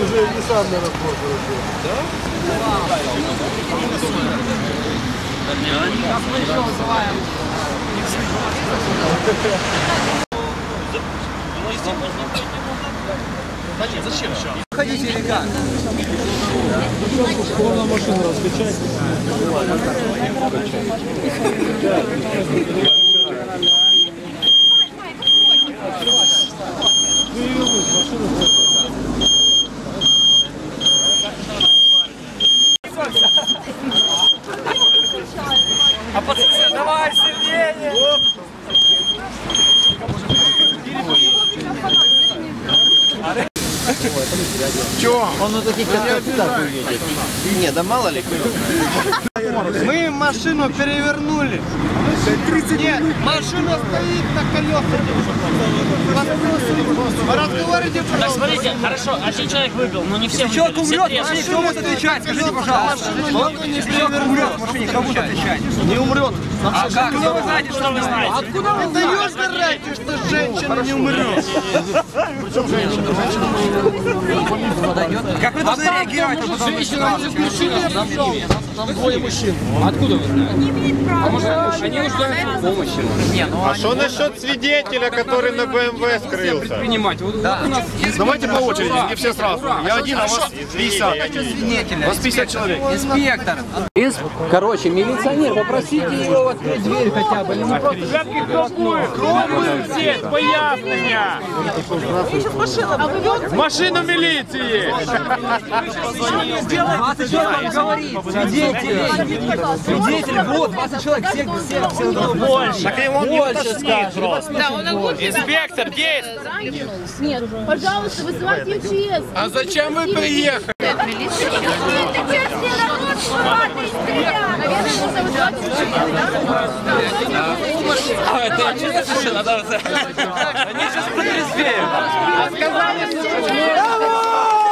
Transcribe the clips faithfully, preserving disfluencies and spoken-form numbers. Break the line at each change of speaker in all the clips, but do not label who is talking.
уже не сам на разбор короче. Да?
Зачем?
Ходите или как?
Можно машину раскачать.
А пацаны, давай сильнее!
Чё?
Он на таких как так увидит. Не, да мало ли. Мы машину перевернули. Нет, машина стоит на колесах. Разговаривайте, пожалуйста.
Так, смотрите, хорошо, один человек выпил, но не все выпили.
Человек умрет,
все
машине кто будет отвечать? Скажите, пожалуйста. Человек умрет в машине, кто будет отвечать?
Не умрет.
А как? Откуда вы знаете, что вы знаете?
Откуда вы знаете, что женщина не умрет?
Причем женщина?
Как вы должны реагировать на подобную ситуацию?
Там двое мужчин.
Откуда вы знаете? А может, они нуждаются в помощи?
Не, ну,
А что насчет свидетеля, который на БМВ скрылся?
Предпринимать. Вот,
да.
вот у нас
Давайте по очереди, не все сразу. Я один, а вас пятьдесят.
свидетеля.
Вас пятьдесят человек.
Инспектор.
Короче, милиционер, попросите его открыть дверь хотя бы. Не просто...
Кто будет? Кто будет здесь? Пояснення! В машину милиции!
двадцать человек говорит. Свидетели. Свидетели. Вот, двадцать человек. Всех, всех, всех.
Больше! Так и он
Больше скажет.
Инспектор, действуй!
Нет, пожалуйста, вызывайте МЧС.
А зачем вы приехали?
А, это МЧС еще надо... Они сейчас протрезвеют.
А сказали, что...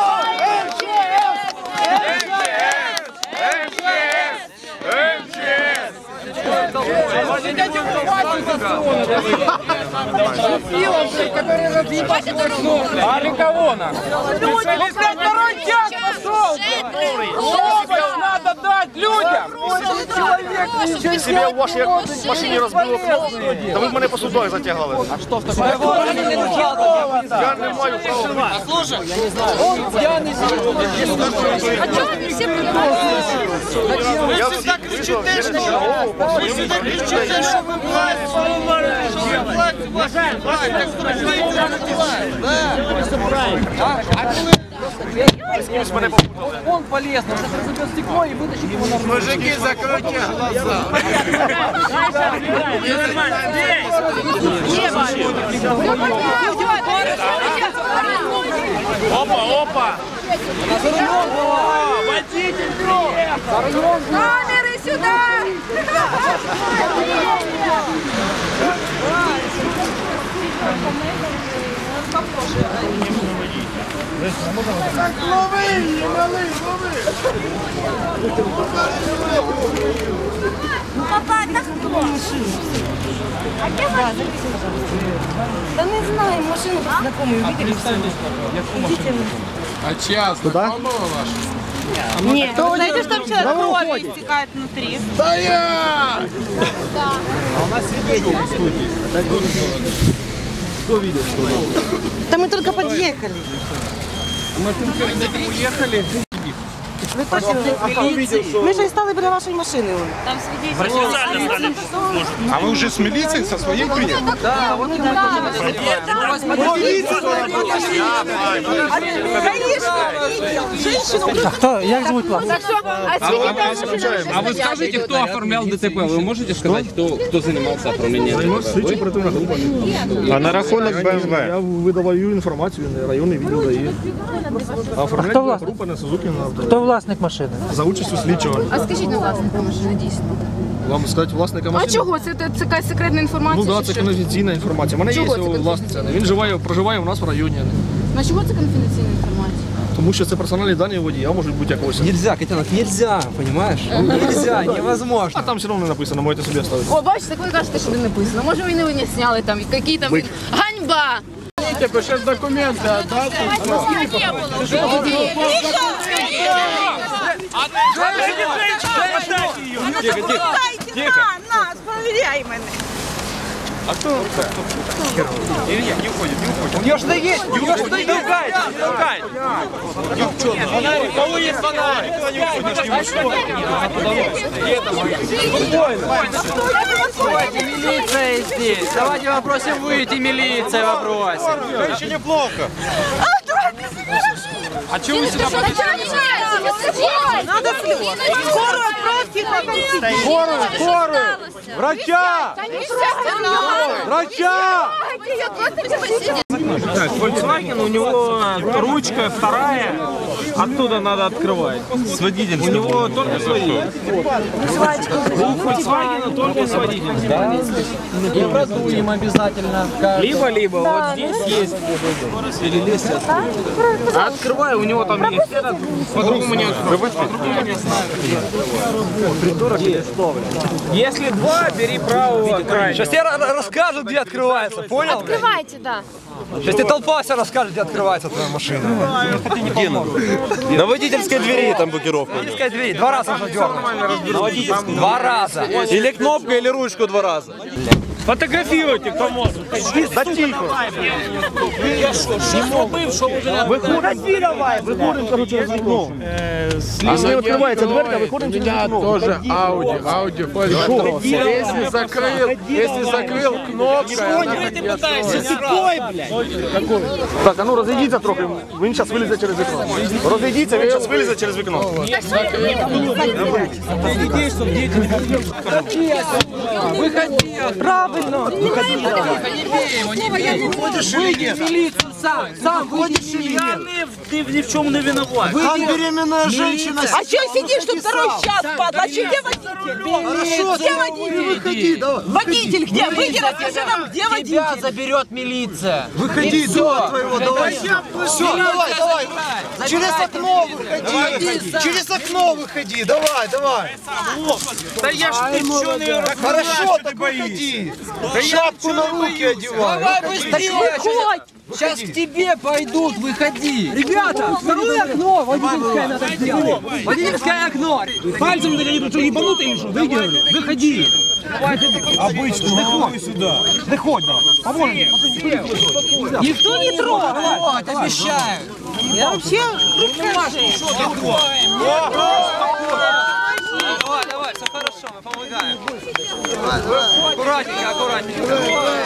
А для кого нам? Специалист второй час пошел! Помощь надо дать людям!
Человек себе в вашій машині розбило окно. Та ви мене по судах затягали.
А что в таком?
Я не маю права.
Слушай,
Он пьяный.
А что вы все понимаете?
Я всегда кричите, что вы всегда кричите, что вы власть, власть, власть.
Он полез, он сейчас разобьет стекло и вытащит его на руку.
Мужики, закройте глаза.
Опа, опа! Водитель приехал!
Камеры сюда! Ну, папа, так кто? А где машина? Да не знаю, машину знакомую увидели.
А час знакомого ваша?
Нет, вы знаете, что там человек крови истекает внутри?
Да я!
А у нас свидетели в студии. Кто видел, что?
Да мы только подъехали.
Мы перед этим уехали.
Ви точно в міліції? Ми ж і стали біля вашої машини. Там свидетелі.
А вы уже с милицией со своей приехали?
Да, вот ему
Конечно.
Кто? Як звуть вас?
Так що, а
А вы скажите, кто оформлял ДТП? Вы можете сказать, кто, кто занимался оформлением ДТП?
Слідчі оперативна група.
А на рахунок БМВ?
Я видаваю інформацію, районний відділ дає. А оформляє група на Сузуки на авто.
Хто власник машини?
За участю слідчого.
А скажіть на власника машини дійсно.
Вам сказати власника
А
машини?
чого? Це, це, це якась секретна інформація?
Ну так,
чи
це
що?
конфіденційна інформація. У мене є
Чого це
його власниця. Він живає, проживає у нас в районі.
На чого це конфіденційна інформація?
Тому що це персональні дані водія, можуть бути якогось.
Нельзя, котенок, нельзя, понимаешь? Нельзя, невозможно.
А там все одно не написано, можете собі оставити.
О, бачите, так ви кажете, що не написано. Може ви не зняли там, які там... Ганьба!
Подождите, бы сейчас документы отдать.
Тихо, тихо. Тихо. Нас, проверяй меня.
А кто? Илья, не уходит, не уходит. У нее что есть? У нее что есть? Толкает, толкает. Фонарик, у кого есть фонарик?
Давайте, милиция здесь. Давайте попросим выйти, милиция попросим.
Это еще неплохо.
А чего вы сюда подошли?
Надо скорую отправьте.
Скорую, скорую! Врача! Врача!
Volkswagen, у него ручка вторая, оттуда надо открывать. С водительским. У него только с водительским. У Volkswagen только с водительским.
И продуем обязательно.
Либо-либо, вот здесь есть. Перелезьте. А открывай, у него там есть этот, по-другому не открывать. По-другому не знаю. Если два, бери правого крайнего.
Сейчас тебе расскажут, где открывается, понял?
Открывайте, да.
Сейчас тебе толпа вся расскажет, где открывается твоя машина. Где на? На водительской двери там блокировка. На водительской двери, два раза уже дернуть. На водительской. Два раза. Или кнопка, или ручку два раза.
Фотографируйте, кто может.
Да тихо.
Выходи давай, выходим, короче, из окна. Если открывается дверка, выходим через окно.
Тоже Ауди, Ауди, если закрыл, если закрыл кнопкой,
Так, а ну разойдіться трохи, він зараз вилізе через вікно. Розійдіться, він зараз вилізе через вікно.
Правильно. Выйди в милицию сам. Сам выйди в милицию.
Ты ни в чем не виноват.
Там беременная женщина.
А что сидишь тут второй час, падла? А где водитель? Где водитель?
Выходи, давай.
Водитель где? Выйди, расскажи нам, где водитель?
Тебя заберет милиция.
Выходи, давай твоего, давай. Все, давай, давай. Через окно выходи. Через окно выходи, давай, давай.
Да я ж ничего не говорю.
Хорошо, так выходи. Шапку на руки одевай.
Давай быстрее. Сейчас к тебе пойдут, выходи. Ребята, второе окно. Водительское надо сделать. Водительское окно.
Пальцем догонит, что ебанутый или что? Выйди, выходи.
Обично, виходь сюди. Виходь, поможем.
Никто не трогал.
Вот, обещаю.
Я вообще
Давай, давай, все хорошо, мы помогаем. Аккуратненько, аккуратненько.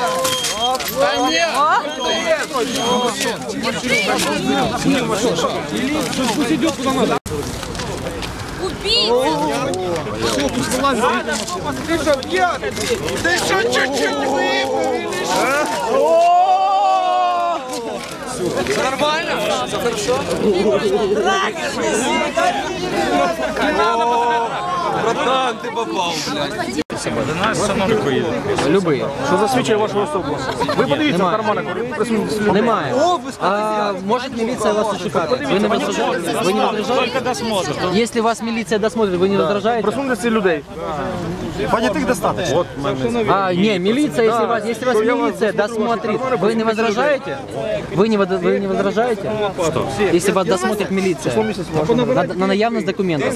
Пусть идет куда надо.
Ты что, пьяный? Ты еще чуть-чуть выпил.
Все нормально? Все хорошо? Братан, ты попал, блядь.
Любий. Що засвідчує вашу особу? Ви подивіться в карманах.
Немає. А может милиция вас ошибает? Вы не возражаете? Вы не возражаете? Если вас милиция досмотрит, вы не возражаете?
Присутності людей. Понятых достаточно.
А, не, милиция, если вас, если вас милиция досмотрит, вы не возражаете? Вы не, вод- вы не возражаете? Что? Если вас досмотрит милиция на, на наявность документов.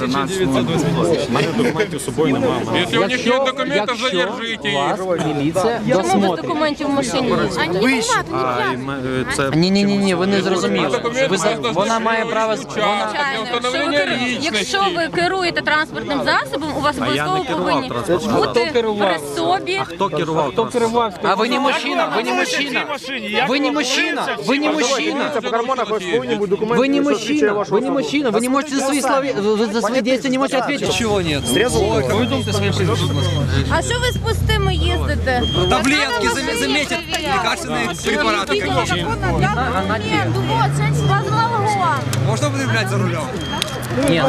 Если у них нет документов,
якщо
задержите их.
вас міліція
Без
досмотрить.
документів в машині. А не вимагати,
Ні, ні, ні, ні, ви не зрозуміли. Ви за- вона має право. Вона...
Якщо ви, керу- якщо ви керуєте транспортним засобом, у вас обов'язково повинні бути при собі.
Хто керував? Хто керував?
А ви не мужчина, ви не мужчина. Ви не мужчина, ви не мужчина.
По карманах у вас повинні бути документи.
Вы не
що
мужчина,
засвідчує вашу
вы не
особу.
мужчина, вы не можете за свои слова, вы за свои действия не можете ответить. Чего нет?
А що ви з пустими їздите?
Таблетки заметят, лекарственные препараты какие-то. Можно употреблять за рулем? Нет,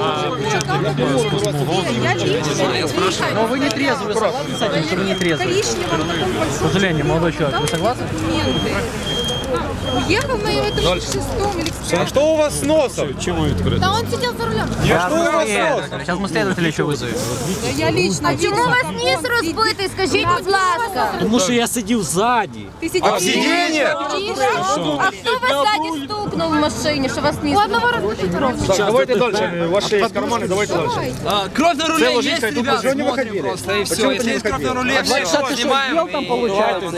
но вы не трезвы, вы согласны с этим, что вы не трезвы? К сожалению, молодой человек, вы согласны?
Уехал на его тридцать шестом или
А что у вас с носом?
Да он сидел за рулем.
Что у вас с носом?
Сейчас мы следователя еще вызовем.
Я лично.
А чому у вас ніс розбитий? Скажіть, будь ласка.
Тому що я сидів ззаді.
Ты сидел.
А сиденье?
А хто вас ззаді стукнув в машині, що вас ніс?
У одного разбитый рот.
Давайте дальше. Ваши есть карманы, давайте дальше.
Кровь на руле
ложись,
есть,
тут
ребят,
почему не
смотрим
выходили?
просто, и все.
Почему
Если
ты не
есть кровь на
выходили?
руле, все, снимаем.
там получается.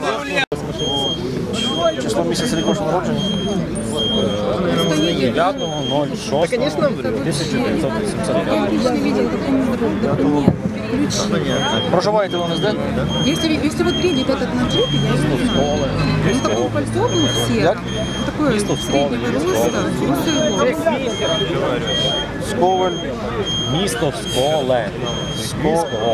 Число місяць рік вашого народження? дев'ятого ноль шостого тисяча дев'ятсот вісімдесят п'ять. Проживаєте в ЛНСД?
Если, если вот приедет этот на джипе, я ну, такое пальто был все. Такое среднего роста.
Сковаль. Місто Сколе. Сколе.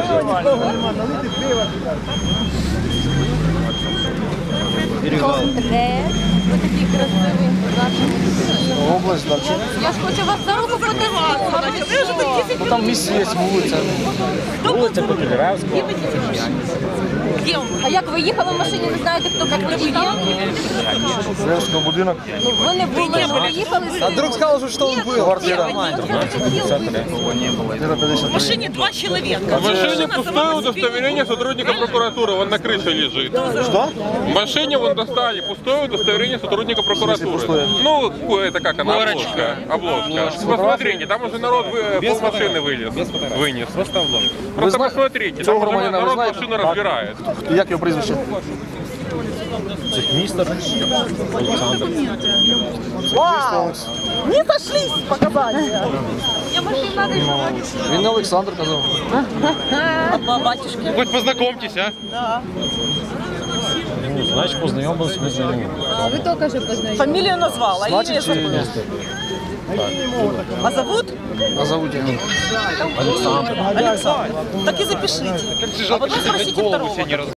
Ви такий красивий.
Область, далі.
Я ж хочу вас за руку потягнути.
Ну там місце є, вулиця. Вулиця Попіляревська.
А як ви їхали в машині, не знаєте, хто приїхав?
Попілярський будинок.
Ну ви не були, ви їхали.
А друг сказал, что он был.
Квартира.
В машине два человека.
В машине пустое удостоверение сотрудника прокуратуры, он на крыше лежит.
Что?
В машине вон достали пустое удостоверение сотрудника прокуратуры. Ну, это как она, обложка. Обложка. Посмотрите, там уже народ вы- пол машины вылез. Вынес. Просто обложка. Просто посмотрите, там уже
громадянина вы
народ
знаете?
машину разбирает.
Як його прізвище?
Не сошлись показания.
Він не Олександр казав.
Одна батюшки.
Хоть познакомьтесь, а?
Ну, значить, познайомилися ми з ним.
Вы только же познакомились.
Фамилию назвала, а имя
Значить, чи
забыла.
місто?
А зовут?
А зовут його?
Александр. Так и запишите. А потом спросите второго.